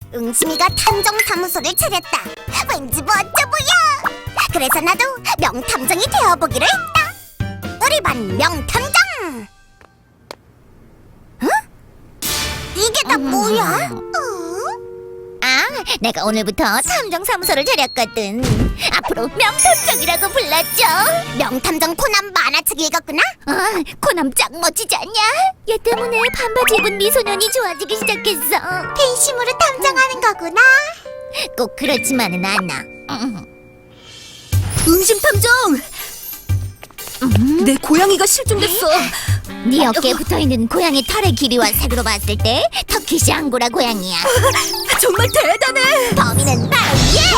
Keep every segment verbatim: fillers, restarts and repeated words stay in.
응심이가 탐정사무소를 차렸다. 왠지 멋져 보여. 그래서 나도 명탐정이 되어보기로 했다. 우리 반 명탐정. 응? 이게 다 뭐야? 어? 아, 내가 오늘부터 탐정사무소를 차렸거든. 앞으로 명탐정이라고 불렀죠. 명탐정 코난 만화책 읽었구나? 아, 코남 짱 멋지지 않냐? 얘 때문에 반바지 입은 미소년이 좋아지기 시작했어. 팬심으로 탐정하는 거구나. 꼭 그렇지만은 않아. 음. 응심탐정! 내 고양이가 실종됐어. 네 어깨에 붙어있는 고양이 털의 길이와 색으로 봤을 때 터키시 앙고라 고양이야. 정말 대단해. 범인은 바로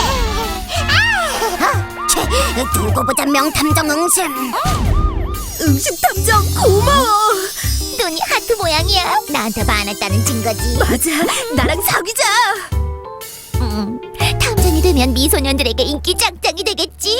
얘! 아, 쟤, 두고 보자 명탐정 응심. 응심탐정 고마워. 눈이 하트 모양이야. 나한테 반했다는 증거지. 맞아, 나랑 사귀자. 음, 탐정이 되면 미소년들에게 인기 짱짱이 되겠지.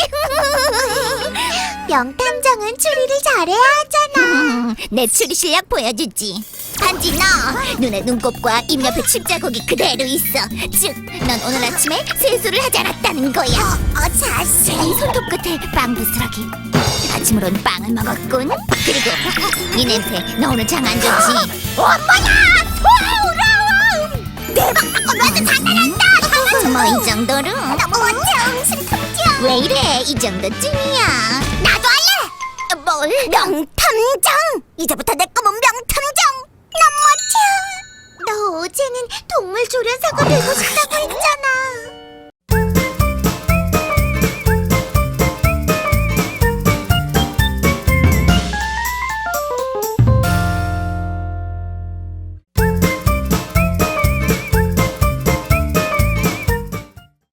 명탐정은 추리를 잘해야 하잖아. 음, 내 추리 실력 보여주지. 단지 너 눈에 눈곱과 입 옆에 칩자국이 그대로 있어. 즉, 넌 오늘 아침에 세수를 하지 않았다는 거야. 어, 자식. 이 손톱 끝에 빵 부스러기. 아침으론 빵을 먹었군. 그리고 이 냄새, 너 오늘 장 안 좋지? 엄마야! 소아우라움! 내 방바꿔 놔도 장난한다! 뭐 이 정도로? 너무 멋져, 응심 탐정! 왜 이래? 이 정도쯤이야. 나도 할래! 뭘? 명탐정! 이제부터 내 꿈은 명탐정! 너무 멋져! 너 어제는 동물 조련사가 되고 싶다고 했잖아!